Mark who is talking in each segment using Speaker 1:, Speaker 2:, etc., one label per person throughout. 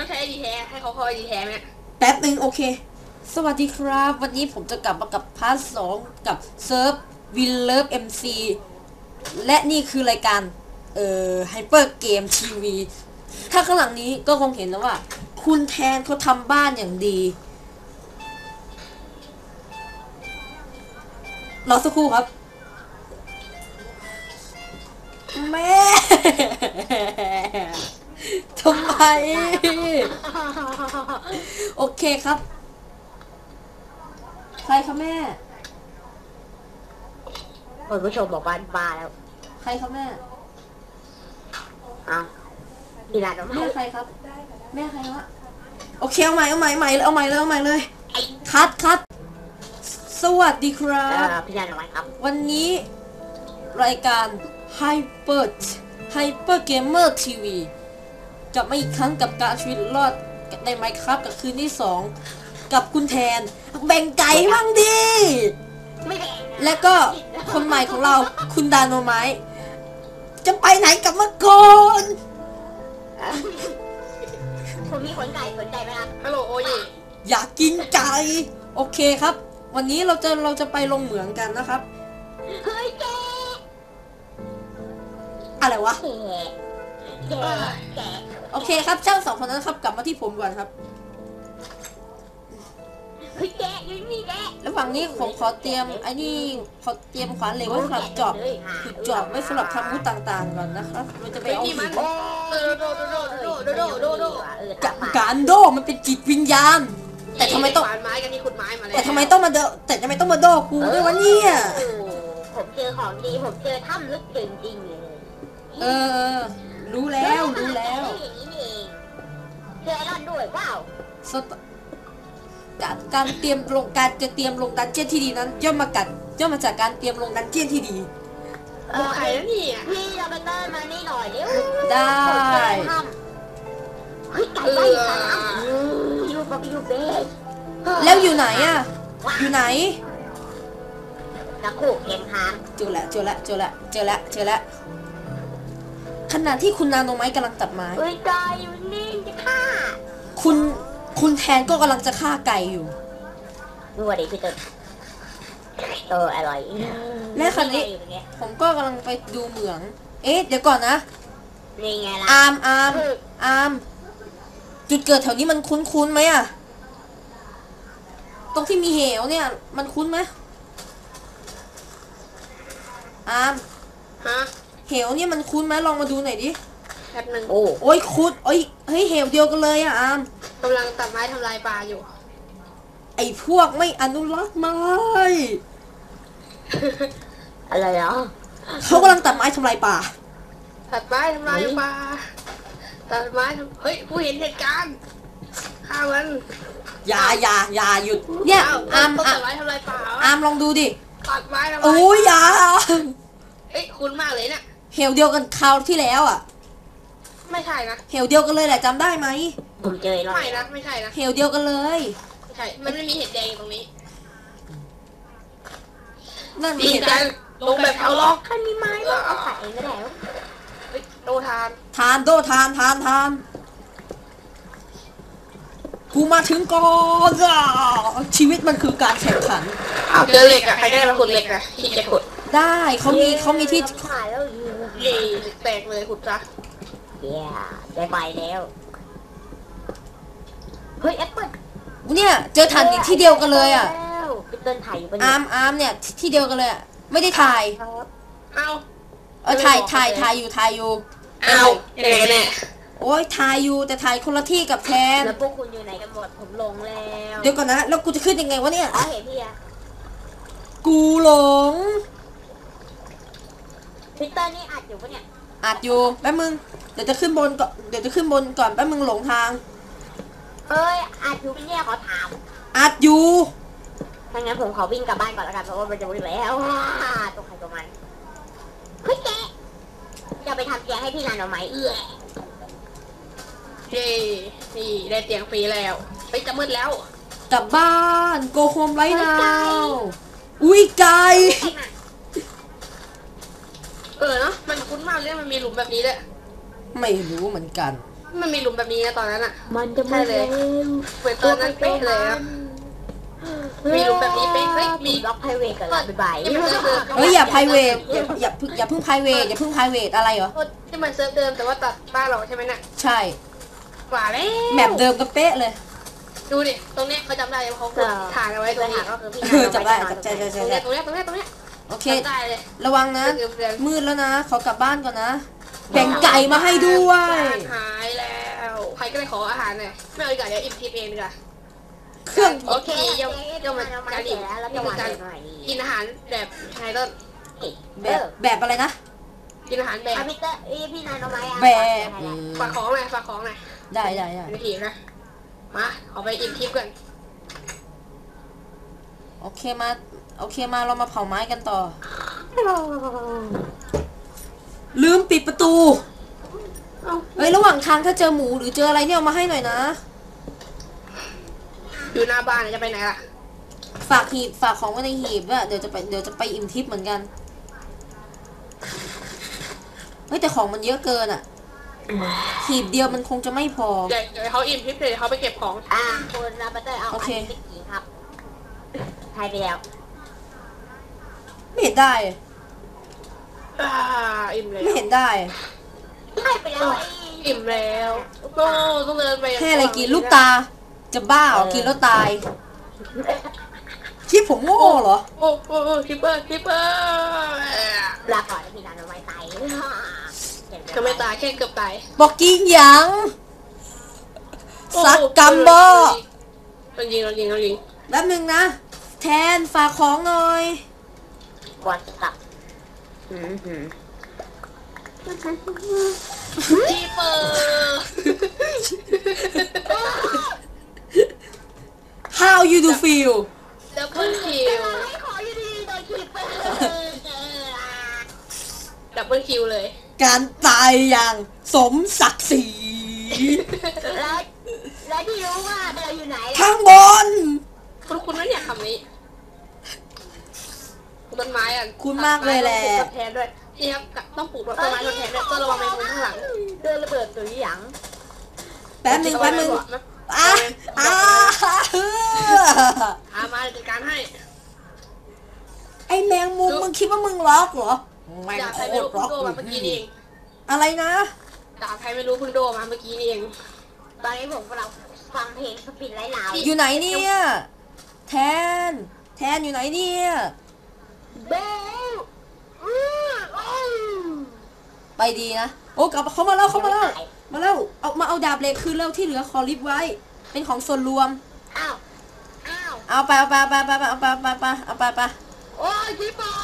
Speaker 1: ใช้ไอดีแท้ให้เขาเข้าไอดีแท้ไหม
Speaker 2: แป๊บนึงโอเคสวัสดีครับวันนี้ผมจะกลับมากับพาร์ท 2กับเซิร์ฟวินเลิฟเอ็มซีและนี่คือรายการไฮเปอร์เกมทีวีถ้าข้างหลังนี้ก็คงเห็นแล้วว่าคุณแทนเขาทำบ้านอย่างดีรอสักครู่ครับแม่ทำไมโอเคครับใครคะแม่
Speaker 3: คุณผู้ชมบอกบ้านบ้าแล้ว
Speaker 2: ใครครับแม่
Speaker 3: อ้าวพี่นา
Speaker 2: แม่ใครครับแม่ใครวะโอเคเอาใหม่เลยคัดสวัสดีครับ
Speaker 3: พี่นาอะไรครับ
Speaker 2: วันนี้รายการ Hyper Gamer TV กลับมาอีกครั้งกับการชีวิตรอดใน Minecraft กับคืนที่2กับคุณแทนแบ่งไก่บ้างดิและก็คนใหม่ของเราคุณดาโนไมท์จะไปไหนกลับมาก่อน
Speaker 3: ผมมีขนไก่สนใจไหมครับ
Speaker 1: ฮัลโหลโอเย
Speaker 2: อยากกินไก่โอเคครับวันนี้เราจะไปลงเหมืองกันนะครับ
Speaker 3: เฮ้ยแก
Speaker 2: อะไรวะ
Speaker 3: แก
Speaker 2: โอเคครับเจ้าสองคนนั้นครับกลับมาที่ผมก่อนครับ
Speaker 3: เฮ้ยแกยังมีแก
Speaker 2: แล้วฝั่งนี้ผมขอเตรียมไอ้นี่ขอเตรียมขวานเหล็กไว้สำหรับจอบขุดจอบไว้สำหรับทำมุดต่างๆก่อนนะครับมันจะไปเอาหินการโดมันเป็นจิตวิญญาณแต่ทำไมต้อง
Speaker 1: ไม้กันนี่ขุดไม้มาแล้ว
Speaker 2: แต่ทำไมต้องมาโดกูด้วยวะเนี่ย
Speaker 3: ผมเจอของดีผมเจอถ้ำลึกจริงๆเลย
Speaker 2: รู้แล้ว
Speaker 3: เจอไอรอนด้วยว้าว
Speaker 2: การจะเตรียมลงดันเจี้ยนที่ดีนั้นย่อมมาจากการเตรียมลงดันเจี้ยนที่ดี
Speaker 1: ใครแล้วนี่
Speaker 3: พี่เราไปเติมมานี่หน่อยเร็ว
Speaker 2: ได้
Speaker 3: เฮ้ยไก่ไล่สามยูเบส
Speaker 2: แล้วอยู่ไหนอ่ะอยู่ไหน
Speaker 3: นักขู่เกมค้าง
Speaker 2: เจอแล้วขณะที่คุณนาโนไม้กำลังตัดไม้
Speaker 3: เฮ้ยไก่อยู่นี่จะฆ่า
Speaker 2: คุณแทนก็กำลังจะฆ่าไก่อยู่
Speaker 3: ดูว่าดิพี่ต้นอร่อย
Speaker 2: และคราวนี้ผมก็กำลังไปดูเหมืองเดี๋ยวก่อนนะ
Speaker 3: นี่ไงล่ะ
Speaker 2: อาร์มจุดเกิดแถวนี้มันคุ้นไหมอะตรงที่มีเหวเนี่ยมันคุ้นไหมอาร์มเหวเนี่ยมันคุ้นไหมลองมาดูหน่อยดิ
Speaker 1: แป๊บนึง
Speaker 2: โอ้ยคุ้นเฮ้ยเหวเดียวกันเลยอะอาร์ม
Speaker 1: กำลังตัดไม้ทำลายป่าอยู่
Speaker 2: ไอ้พวกไม่อนุรักษ์ไม้
Speaker 3: อะไรเหรอ
Speaker 2: เขากำลังตัดไม้ทำลายป่า
Speaker 1: ตัดไม้ทำลายป่าเฮ้ยผู้เห็นเหตุการณ์ฆ่ามัน
Speaker 2: อย่าหยุดเนี่ยอาร์ม
Speaker 1: ตัดไม้ทำลายป่า
Speaker 2: อาร์มลองดูดิ
Speaker 1: ตัดไม้ทำลาย
Speaker 2: โอ้ยอย่า
Speaker 1: คุ้นมากเลยเนี่ย
Speaker 2: เหวเดียวกันคราวที่แล้วอ่ะ
Speaker 1: ไม่ใช่นะ
Speaker 2: เหวเดียวกันเลยแหละจำได้ไหม
Speaker 3: ผมเจอแล้ว
Speaker 1: ไม่นะไม่ใช่นะ
Speaker 2: เหวเดียวกันเลย
Speaker 1: ไม่ใช่มันไม่มีเห็ดแดงตรงนี้
Speaker 2: นั่น
Speaker 1: มีเห็ดแดงลงแบบเอาล็อก
Speaker 3: คันมีไม้ก็เอาใส่ก็ได้
Speaker 1: โดทาน
Speaker 2: กูมาถึงก่อนชีวิตมันคือการแข่งขัน
Speaker 1: เจอเหล็กอะใครได้มาขุดเหล็กอะที่จะขุด
Speaker 2: ได้เขามีที่
Speaker 1: เย่แตกเลยขุดซะ
Speaker 3: ได้ไปแล้วเฮ้ยแอปเปิ้ล
Speaker 2: เนี่ยเจอถ่านที่เดียวกันเลยอ่ะ
Speaker 3: พี่ต้นถ่ายอยู่ปะ
Speaker 2: เนี่ยอาร์มเนี่ยที่เดียวกันเลยอ่ะไม่ได้ถ่ายถ่ายอยู่
Speaker 1: เนี่ย
Speaker 2: โอ้ยถ่ายอยู่แต่ถ่ายคนละที่กับแทน
Speaker 3: แล้วพวกคุณอยู่ไหนกันหมดผมลงแล้ว
Speaker 2: เดี๋ยวก่อนนะแล้วกูจะขึ้นยังไงวะเนี่ย
Speaker 3: เห็นพี่อะ
Speaker 2: กูหลง
Speaker 3: พี่ต้นนี่อัดอยู่ปะเนี่ย
Speaker 2: อัดอยู่แป๊บมึงเดี๋ยวจะขึ้นบนก่อนแป๊บมึงหลงทาง
Speaker 3: อัดอยู่เนี่ยขอถาม
Speaker 2: อัดอยู่
Speaker 3: ถ้างั้นผมขอวิ่งกลับบ้านก่อนแล้วกันเพราะว่ามันจะวิ่งแล้วตัวใครตัวมันเฮ้ยแกจะไปทำแกให้พี่นาโนไม้
Speaker 1: นี่ได้เตียงฟรีแล้วไปจะมืดแล้ว
Speaker 2: กลับบ้านโกโฮมไรนาวอุ้ยไก่
Speaker 1: เนาะมันคุ้นมากเลยมันมีหลุมแบบนี้เลย
Speaker 2: ไม่รู้เหมือนกัน
Speaker 1: มันมีหลุมแบบนี้นะตอนนั้นอะ
Speaker 3: มันจะไม่เลย
Speaker 1: เหมือนตอนนั้นเป๊ะเลยอะมีหลุมแบบนี้เป๊ะเฮ้ยมี
Speaker 3: บล็อกไพรเวทกันละบ๊ายบาย
Speaker 1: นี่มันเซิร์ฟเดิม
Speaker 2: เฮ้ยอย่า private อย่าเพิ่ง private อย่าเพิ่ง private อะไรเหรอ
Speaker 1: ที่มันเซิร์ฟเดิมแต่ว่าตัดบ้านเราใช่ไหมน่ะ
Speaker 2: ใช่
Speaker 1: กว่าแล้ว
Speaker 2: แมปเดิมก็เป๊ะเลย
Speaker 1: ดูดิตรงเนี้ยเขาจำได้เลยเขาถ่ายเอาไว้ต
Speaker 3: ตั
Speaker 1: ร
Speaker 3: ว
Speaker 1: ง
Speaker 3: หา
Speaker 1: นี้
Speaker 3: ก็คือพี่
Speaker 2: จำได้ใช่
Speaker 1: ตรงเนี้ยตรงเนี้ยตรงเนี้ยตรงเนี้ย
Speaker 2: โอเค
Speaker 1: จำได้เลย
Speaker 2: ระวังนะ
Speaker 1: เพื่อน
Speaker 2: มืดแล้วนะ ขอกลับบ้านก่อนนะ แบ่งไก่มาให้ด้วย
Speaker 1: หายแล้วใครก็เลยขออาหารหน่อยไม่เอาดีกว่าเดี๋ยวอิ่มทิพย์เองดีกว่า
Speaker 2: เครื่อง
Speaker 1: โอเคย่อมมัน
Speaker 3: มา
Speaker 1: การ
Speaker 3: เสร็
Speaker 1: อิ่
Speaker 3: จ
Speaker 1: ม
Speaker 3: แล้วแล้ว
Speaker 1: นี่
Speaker 3: จะ
Speaker 1: คือ
Speaker 3: วาง
Speaker 1: การ
Speaker 3: หน่อย
Speaker 1: กินอาหารแบบไงต้น
Speaker 2: แบบอะไรนะ
Speaker 1: กินอาหารแบบ
Speaker 3: พี่เตอร์พี่นายเอาไหม
Speaker 2: แบบ
Speaker 1: ฝากของหน่อยฝากของหน่อย
Speaker 2: ได้
Speaker 1: เป็นทีนะมาขอไปอิ่มทิพย์ก่อน
Speaker 2: โอเคมาเรามาเผาไม้กันต่อ ลืมปิดประตู เฮ้ยระหว่างทางถ้าเจอหมูหรือเจออะไรเนี่ยเอามาให้หน่อยนะ
Speaker 1: อยู่หน้าบ้านจะไปไหนล่ะ
Speaker 2: ฝากของไว้ในหีบด้วยเดี๋ยวจะไปอิ่มทิพย์เหมือนกัน เฮ้ยแต่ของมันเยอะเกินอ่ะ หีบเดียวมันคงจะไม่พอ
Speaker 1: เดี๋ยวเขาอิ่มทิพย์เดี๋ยวเขาไปเก็บของ
Speaker 3: คุณลาบัตเตอร์เอา
Speaker 2: โอเค
Speaker 3: อันนี้ไปกี่ครับทายไปแล้ว
Speaker 2: ไม่เห็นได้
Speaker 1: อิ่มแล้ว
Speaker 2: ไม่เห็นได้
Speaker 3: ทายไปแล้ว
Speaker 1: อิ่มแล้วโอ้ต้องเดินไป
Speaker 2: แค่อะไรกินลูกตา จะบ้าเหรอกินแล้วตายคิดผมโง่เหรอ
Speaker 1: โอ้คิปเปอร์
Speaker 3: ลาก่อนพี่นายเอาไว้ตาย
Speaker 1: ก็ไม่ตายแค่เกือบตาย
Speaker 2: บอกกินหยังสักกัมบอ
Speaker 1: เรายิง
Speaker 2: แป๊บนึงนะ แทนฝากของหน่อย
Speaker 3: บอลตับ
Speaker 1: คีเปอร์
Speaker 2: How you do feel
Speaker 1: ดับเบิลคิว
Speaker 3: ไม่ขออยู่ดีโดยคีเปอร์
Speaker 1: ดับเบิลคิวเลย
Speaker 2: การตายอย่างสมศักดิ์ศรี
Speaker 3: แล้วที่รู้ว่าเราอยู่ไหน
Speaker 2: ข้างบน
Speaker 1: คุณไม่เนี่ยคำนี้ต้นไม้อ่ะ
Speaker 2: คุณมากเลยแหละ
Speaker 1: ทดแทนด้วยนี่ครับต้องปลูกต้นไม้ทดแทนด้วยต้องระวังแมงมุมข้างหลัง
Speaker 3: เดินระเบิดตัวหยัง
Speaker 2: แป๊บนึงอ่ะ
Speaker 1: มาจัดการให้
Speaker 2: ไอแมงมุมมึงคิดว่ามึงล็อกเหรอแมง
Speaker 1: ดาบ
Speaker 2: โค
Speaker 1: ใครไม่
Speaker 2: ต
Speaker 1: รู้
Speaker 2: รล็
Speaker 1: เพิ่
Speaker 2: อง ก
Speaker 1: โดมาเมื่อกี้นี่เอง
Speaker 2: อะไรนะ
Speaker 1: ดาบใครไม่รู้เพิ่งโดมาเมื่อกี้นี่เอง
Speaker 3: ตอนนี้ผมกำลังฟังเพลงสปินไร้ลาว
Speaker 2: อยู่ไหนเนี่ยแทนอยู่ไหนเนี่ย
Speaker 3: เบล
Speaker 2: ไปดีนะโอ้กลับเขามาแล้วเอาดาบเหล็กคืนแล้วที่เหลือขอริบไว้ เป็นของส่วนรวม
Speaker 3: อ้าว
Speaker 2: เอาไป
Speaker 3: โอ้ยคีเปอร์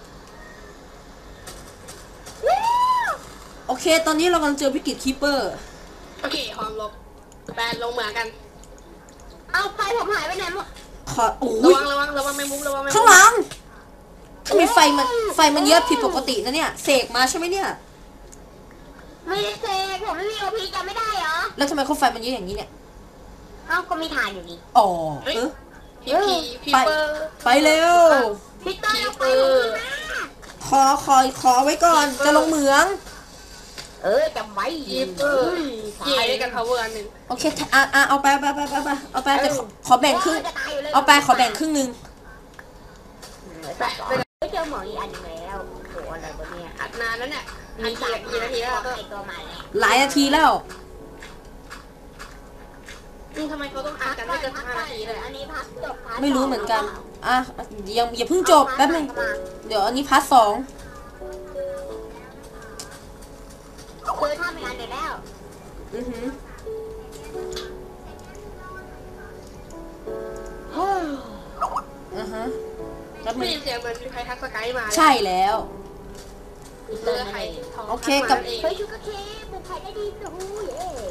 Speaker 2: โอเค ตอนนี้เรากำลังเจอวิกฤตคีเปอร์
Speaker 1: โอเคหอมลบแบนลงเหมือนกัน
Speaker 3: เอาไปผมหายไปไหนหมด
Speaker 2: ขอโอ้
Speaker 1: ระ
Speaker 2: ย
Speaker 1: วังแมงมุมระวังแมงมุม
Speaker 2: ข้างหลังทำไมไฟมันเยอะผิดปกตินะเนี่ยเสกมาใช่ไหมเนี่ย
Speaker 3: ไม่ได้เซกผมไม่มีโอพีจำไม่ได้เหรอ
Speaker 2: แล้วทำไมเขาไฟมันเยอะอย่างนี้เนี่ย
Speaker 3: เอ้าก็มีฐานอยู่นี่
Speaker 2: อ๋อ
Speaker 1: พีเปอร์
Speaker 2: ไปเร็ว
Speaker 3: พี่เตอร์เอาไปผมขึ้นมา
Speaker 2: ขอไว้ก่อนจะลงเหมือง
Speaker 3: จำไว้
Speaker 1: พีเปอร์ยิงได้กัน power อันหนึ่ง
Speaker 2: โอเคเอาไปแต่ขอแบ่งครึ่งเอาไปขอแบ่งครึ่งนึง
Speaker 3: ไม่เจอหมออีกอันนึงแล้วโหอะไรวะเนี่ย
Speaker 1: อัดนานแล้วเนี่ย
Speaker 3: มี
Speaker 1: กี่นาทีแล้วก็
Speaker 3: ไอตัวใหม่
Speaker 2: หลายนาทีแล้ว
Speaker 1: ทำไมเขาต้องอัดกันไม่เกิน5 นาทีเลย
Speaker 3: อันนี้พักจบ
Speaker 2: ไม่รู้เหมือนกันอ่ะอย่าเพิ่งจบแป๊บนึงเดี๋ยวอันนี้พาร์ท 2
Speaker 3: คือทำงานเดี๋ยวแล้ว
Speaker 2: อือหือฮะแป๊บ
Speaker 1: ไม่
Speaker 2: นึง
Speaker 1: ยินเสียงเหมือนมีใครทักสกายมา
Speaker 2: ใช่แล้ว
Speaker 1: เสื้อไข่ทอง
Speaker 2: โอเคกับ
Speaker 3: เฮ้ยชูกาเคปลูกไผ่ได้ดีโอ้ย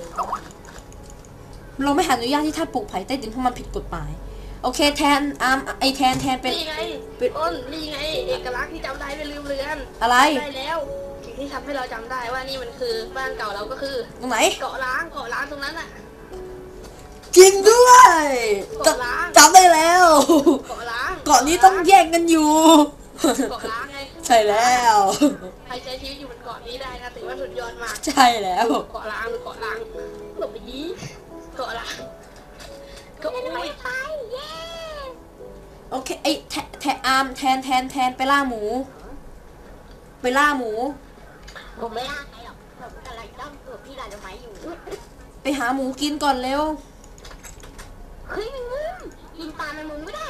Speaker 2: เราไม่อนุญาตที่ท่านปลูกไผ่ใต้ดินเพราะมันผิดกฎหมายโอเคแทนแทนเป็น
Speaker 1: นี่ไงอ้นนี่ไงเอกลักษณ์ที่จำได้ไม่ลืมเลือน
Speaker 2: อะไร
Speaker 1: ได้แล้วสิ่งที่ทำให้เราจำได้ว่านี่มันคือบ้านเก่าเราก็คือ
Speaker 2: ตรงไหน
Speaker 1: เกาะล้างตรงนั้นน่ะ
Speaker 2: จริงด้วยจำได้แล้ว
Speaker 1: เกาะล้าง
Speaker 2: เกาะนี้ต้องแย่งกันอยู่
Speaker 1: เกาะล้างไง
Speaker 2: ใช่แล้ว
Speaker 1: ใครใช้ชีวิตอยู่บนเกาะนี้ได้นะถือว่าสุดยอดมาก
Speaker 2: ใช่แล้ว
Speaker 1: เกาะล้างหรือเกาะล้างหลบไปยี้เกาะล้างก็
Speaker 3: ไม่ได้
Speaker 1: อุ้ย
Speaker 3: ไปเย้
Speaker 2: โอเคไอ้แทนไปล่าหมู ไปล่าหมู
Speaker 3: ผมไม่ล่าใครหรอกผมกำลังจ้องตัวพี่ลายดอกไม้อยู่
Speaker 2: ไปหาหมูกินก่อนเร็ว
Speaker 3: เฮ้ยมึงกินปลามันมึงไม่ได้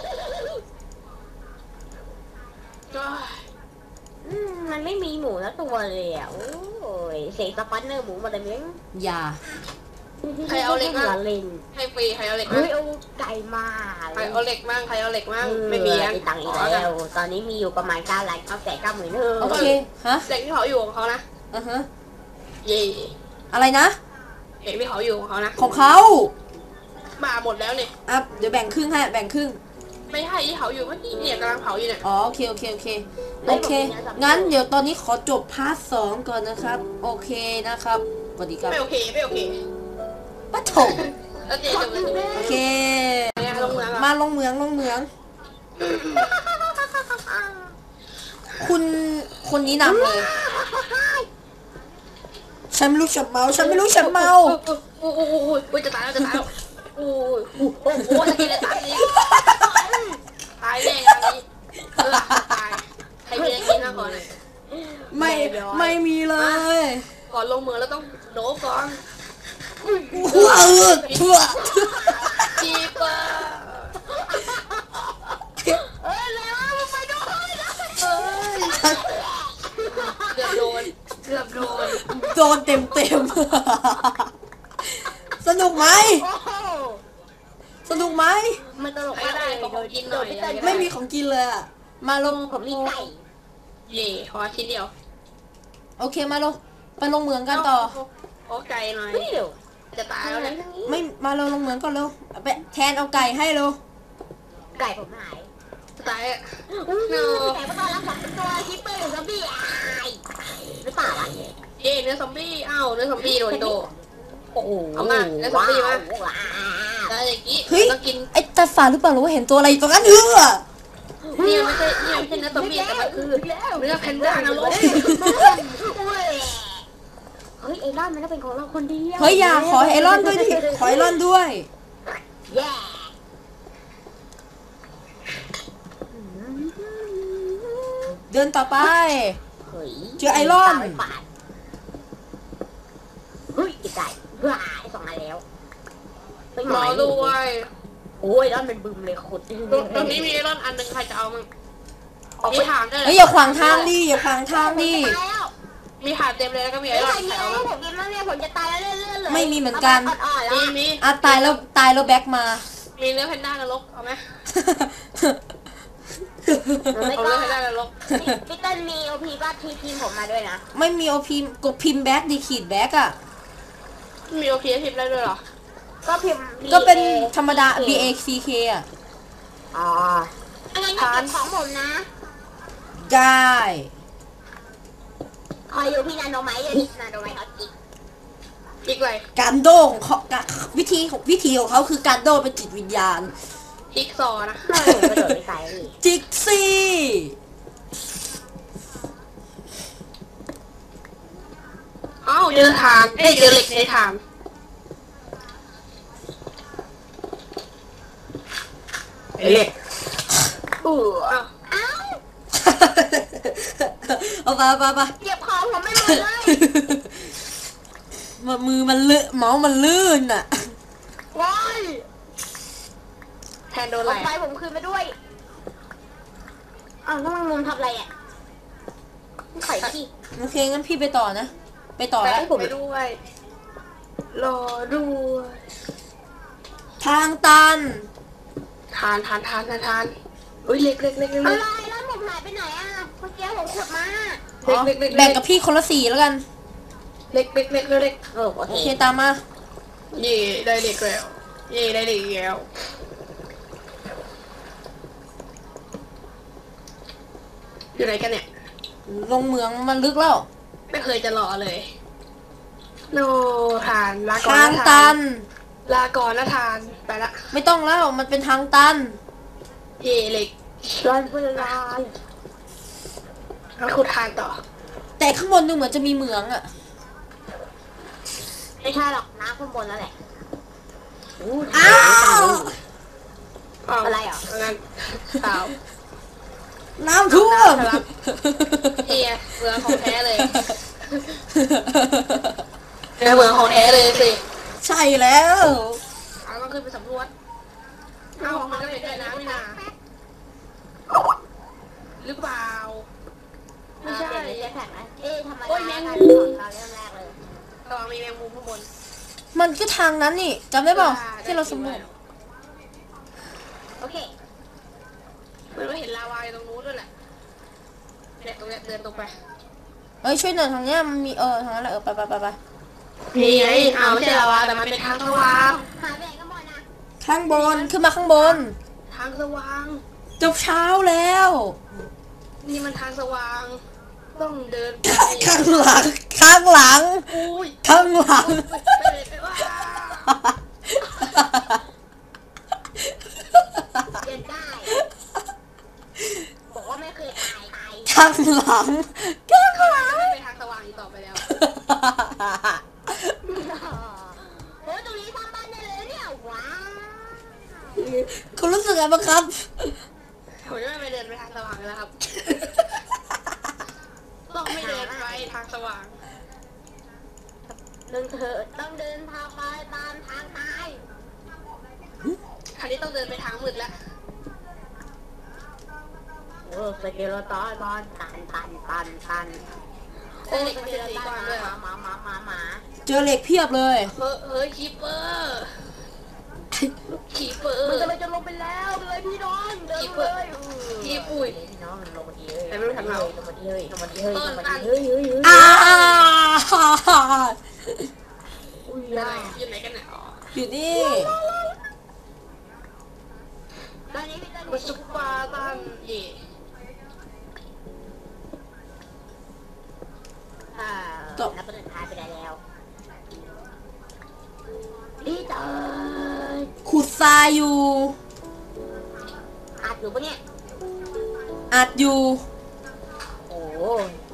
Speaker 1: ก็
Speaker 3: มันไม่มีหมูแล้วตัวเลยอ่ะโอ้ยเสกสปันเนอร์หมูมาเลยมั้ง
Speaker 2: อย่า
Speaker 1: ใครเอาเหล็ก
Speaker 3: หั
Speaker 1: มาว
Speaker 3: เล่น
Speaker 1: ให้ฟรีใครเอาเหล็กมา
Speaker 3: เฮ้ยเอาไก่มา
Speaker 1: ใครเอาเหล็กมั่งใครเอาเหล็กมั่งไม่มี
Speaker 3: มีตังค์อีกแล้ว ตอนนี้มีอยู่ประมาณ9 ล้าน990,000
Speaker 2: โอเค ฮะ
Speaker 1: เหล็กที่เขาอยู่ของเขานะ
Speaker 2: อือฮะ
Speaker 1: เย่
Speaker 2: อะไรนะ
Speaker 1: เหล็กที่เขาอยู่ของเขานะ
Speaker 2: ของเขา
Speaker 1: มาหมดแล้วเนี่ย
Speaker 2: อ่ะเดี๋ยวแบ่งครึ่งให้แบ่งครึ่ง
Speaker 1: ไม่ใช่ที่เขาอยู่เมื่อกี้เนี่ยกำลังเผาอยู่เนี่ย
Speaker 2: อ๋อโอเคโอเคโอเคโอเค งั้นเดี๋ยวตอนนี้ขอจบพาร์ท2ก่อนนะครับ โอเคนะครับสวัสดีครับ
Speaker 1: ไม่โอเคไม่โอเค
Speaker 2: ปะโถ
Speaker 1: แล้วเจจะไปดู
Speaker 2: โอเค
Speaker 1: เนี่ยลงเมืองอ่ะ
Speaker 2: มาลงเหมือง คุณคนนี้นำเลย ฉันไม่รู้ฉันเมา ฉันไม่รู้ฉันเมา
Speaker 1: โอ้โหจะตายแล้วจะตายแล้วโอ้ยโอ้โหสกิลเลยตายนี้ตายแน่งานนี้ตายใครมีอะไรกินนะก่อนเลย
Speaker 2: ไม่มีเลย
Speaker 1: ก่อนลงเมืองแล้วต้องโดบก่อน
Speaker 2: ทั่ว
Speaker 1: คีเปอร์
Speaker 3: เอ้ยแล้วไปด้วยนะ
Speaker 1: เอ้ยเกือบโดน
Speaker 2: โดนเต็มสนุกไหม
Speaker 3: โอ้โห
Speaker 2: สนุกไหม
Speaker 3: มันตลก
Speaker 1: ใคร
Speaker 3: มาก
Speaker 1: ได้
Speaker 3: เลย
Speaker 1: ขอกินหน่อย
Speaker 2: ไม่มีของกินเลยอะมาลง
Speaker 3: ผมมีไก่
Speaker 1: เย่ขอชิ้นเดียว
Speaker 2: โอเคมาลงไปลงเหมืองกันต่อ
Speaker 1: ขอไก่หน่อย
Speaker 3: เฮ้ยเดี๋ยว
Speaker 1: จะตายแล้วเนี่ย
Speaker 2: ไม่มาเราลงเหมืองก่อนเร็วไปแทนเอาไก่ให้เร็ว
Speaker 3: ไก่ผมหาย
Speaker 1: จะตายอ่ะ
Speaker 3: ไก่มาตอนรับผมเป็นตัวคิปเปอร์หรือซอมบี้หรือเปล่าวะ
Speaker 1: เย่เนื้อซอมบี้อ้าวเนื้อซอมบี้โดนโด
Speaker 3: โอ้โห
Speaker 1: เอามาแล้วซอมบี้มา
Speaker 3: ว้าว
Speaker 1: แล้วอย่างงี้
Speaker 2: เฮ้ย
Speaker 1: ต้องกิน
Speaker 2: ไอ้ตาฝาดหรือเปล่าหรือว่าเห็นตัวอะไรอยู่ตรงนั้น
Speaker 1: เนี่ยไม่ใช่เนื้อซอมบี้แต่มันคือเนื้อแพนด้านรก
Speaker 3: เฮ้ยไอรอนมันต้องเป็นของเราคนเดียว
Speaker 2: เฮ้ยอย่าขอไอรอนด้วยดิขอไอรอนด้วย
Speaker 3: แย่
Speaker 2: เดินต่อไป
Speaker 3: เฮ้ย
Speaker 2: เจอไอรอน
Speaker 3: เฮ้ยไก่ว้าไอ2 อันแล้วไป
Speaker 1: รอด้วย
Speaker 3: โอ้ยรอนเป็นบึมเลยขุด
Speaker 1: ตรงนี้มีไอรอนอันหนึ่งใครจะเอามั้งมีถามได้เล
Speaker 2: เฮ้ย
Speaker 1: ย
Speaker 2: อย่าขวางทางดิอย่าขวางทางดิ
Speaker 1: มีถามเต็มเลยแล้วก็มีไอ
Speaker 3: ไอ้
Speaker 1: ร
Speaker 3: ร
Speaker 1: อ
Speaker 3: อน น
Speaker 1: ใคร
Speaker 3: เอา
Speaker 1: เอา
Speaker 3: ผ
Speaker 1: มั้ง
Speaker 3: มกินแล้วเนี่ยผมจะตายแล้วเลื่อนๆเลย
Speaker 2: ไม่มีเหมือนกัน
Speaker 3: อ่อนๆแล้ว
Speaker 1: มี
Speaker 2: อ่ะตายแล้วแบ็คมา
Speaker 1: มีเนื้อแพนด้านรกเอาไหม
Speaker 3: ไม่
Speaker 1: เอา
Speaker 3: ก็
Speaker 1: เนื้อแพนด้านรก
Speaker 3: พี่ต้นมีโอพีก็ทีมผมมาด้วยนะ
Speaker 2: ไม่มีโอพิมพ์กดพิมพ์แบ็คดีขีดแบ็คอะ
Speaker 1: มีโอเคทิปได้ด้วยเหรอ
Speaker 3: ก็พิมพ์
Speaker 2: ก็เป็นธรรมดา B A C K อะ
Speaker 3: อ๋ออันนั้นก็เป็นของผมนะ
Speaker 2: ได้
Speaker 3: คอยอยู่พี่นาโนไมท์เลยนาโนไมท์เขาจิก
Speaker 1: อีกเลย
Speaker 2: การโดของเขาวิธีของเขาคือการโดเป็นจิตวิญญาณ
Speaker 1: อีกซอนะ
Speaker 3: ผมกระโดดไปไกลเลย
Speaker 2: จิกซี่
Speaker 1: อ้าวเจอทางเจอเหล็กในทางเหล็กอ้าว
Speaker 3: อ้าว
Speaker 2: เอาไป
Speaker 3: เหยียบคอผมไม่หมดเลย
Speaker 2: มือมันลื่นเมาส์มันลื่นอะ
Speaker 3: ว้าย
Speaker 1: แทนโดน
Speaker 3: เอา
Speaker 1: อะไร
Speaker 3: ไฟผมคืนมาด้วยอ้าวแล้วมันมุมทับอะไรอ่ะไข่พี่
Speaker 2: โอเคงั้นพี่ไปต่อนะ ไปต่อ
Speaker 1: ไป
Speaker 2: แล้ว
Speaker 1: ผมไปด้วยรอด้วย
Speaker 2: ทางตัน
Speaker 1: ทานอุ้ยเล็ก
Speaker 3: อะไรแล้วผมหายไปไหนอ่ะเมื่อกี้ผมขุดมา
Speaker 2: อ๋อแบ่งกับพี่คนละสีแล้วกัน
Speaker 1: เล็ก
Speaker 3: โอ
Speaker 2: โอ
Speaker 3: เค
Speaker 2: เคตามมา
Speaker 1: เย่ได้เหล็กแล้วเย่ได้เหล็กแล้วอยู่ไหนกันเนี่ย
Speaker 2: ลงเหมืองมันลึกแล้ว
Speaker 1: ไม่เคยจะรอเลยโนทานลาก่อน
Speaker 2: ทาง
Speaker 1: นะ
Speaker 2: ตั
Speaker 1: ทาน
Speaker 2: น
Speaker 1: ลาก่อนนะทานไปละ
Speaker 2: ไม่ต้องแล้วมันเป็นทางตัน
Speaker 1: เย่เหล็ก
Speaker 3: รอนเวลา
Speaker 1: งั้นขุดทานต่อ
Speaker 2: แต่ข้างบนดูเหมือนจะมีเหมืองอะ
Speaker 3: ไม่ใช่หรอกน้ำข้างบนแล้วแหละ
Speaker 2: อ้าว
Speaker 3: อะไรเหรอ
Speaker 1: งั้นเปล่า
Speaker 2: น้ำท่วม
Speaker 1: น้ำทะลัก นี่ไงเมืองของแท้เลยเป็นเมืองของแท้เลยสิ
Speaker 2: ใช่แล้ว
Speaker 1: เราต้องขึ้นไปสำรวจเอ้ามันก็เห็นได้น้ำนี่นาหรือเปล่าไม่ใช่
Speaker 3: เปลี่ยนเป็นเจ็ตแพ็คไหมเอ๊ะทำไม
Speaker 1: โอ้ยแมงมุ
Speaker 3: มุ
Speaker 1: ม
Speaker 3: มเราเริ่มแรกเลย
Speaker 1: ระวังมีแมงมุมข้างบน
Speaker 2: มันก็ทางนั้นนี่จำได้เปล่าที่เราสำรวจ
Speaker 3: โอเค
Speaker 1: เหมือนว่าเห็นลาวาอยู่ตรงนู้นด้วยแหละเนี่ยตรงเนี้ยเดินตรงไป
Speaker 2: เอ้ยช่วยหน่อยทางเนี้ยมันมีทางนั้นแหละไป
Speaker 1: นี่ไงเอาไม่ใช่ลาวาแต่มันเป็นทางสว่าง
Speaker 3: หายไปไหนกันหมดนะ
Speaker 2: ข้างบนขึ้นมาข้างบน
Speaker 1: ทางสว่าง
Speaker 2: จบเช้าแล้ว
Speaker 1: นี่มันทางสว่าง ต้องเดินไป
Speaker 2: ข้างหลังข้างหลัง
Speaker 1: อุ้ย
Speaker 2: ข้างหลัง
Speaker 1: ไม่เลยไปว่า
Speaker 3: เดินได้ บอกว่าไม่เคยตาย
Speaker 2: ข้างหลังข้างหลัง
Speaker 1: ไม่ไปทางสว่างอีกต่อไปแล้ว
Speaker 3: โอ้ยตรงนี้สร้างบ้านได้เลยเนี่ยว้าว
Speaker 2: คุณรู้สึกไงบ้างครับ
Speaker 1: ผมจะไม่ไปเดินไปทางสว่างแล้วครับ ต้องไม่เดินไปทางสว่าง
Speaker 3: เดินเถอะต้องเดินทางไปตามทางตาย
Speaker 1: คราวนี้ต้องเดินไปทางมืดแล้ว
Speaker 3: โอ้สเกลตอนตัน
Speaker 1: โอ้ยมันจะสีก่อนด้วยเหรอ
Speaker 3: หมา
Speaker 2: เจอเหล็กเพียบเลย
Speaker 1: เฮ้ยคีเปอร์คีเปอร์
Speaker 3: มันจะลงไปแล้วเลยพี่น้องเดินเลย
Speaker 1: คีปุ้ย
Speaker 3: พี่น้องลงมาดีเลย
Speaker 1: แต่ไม่รู้ทำเรา
Speaker 3: ลงมาดีเฮ้ยเฮ้ย
Speaker 2: อ้า
Speaker 3: อุ้ย
Speaker 1: อยู่ไหนกันเนี่ยอ๋อ
Speaker 2: อยู่นี่
Speaker 3: ตอนนี้พี่ต้น
Speaker 1: มันซุปเปอร์ตันเย่
Speaker 3: นับประเด็นท้ายไปได้แล้วพี่เตย
Speaker 2: ขุดทรายอยู่
Speaker 3: อัดอยู่ปะเนี่ย
Speaker 2: อัดอยู่
Speaker 3: โอ้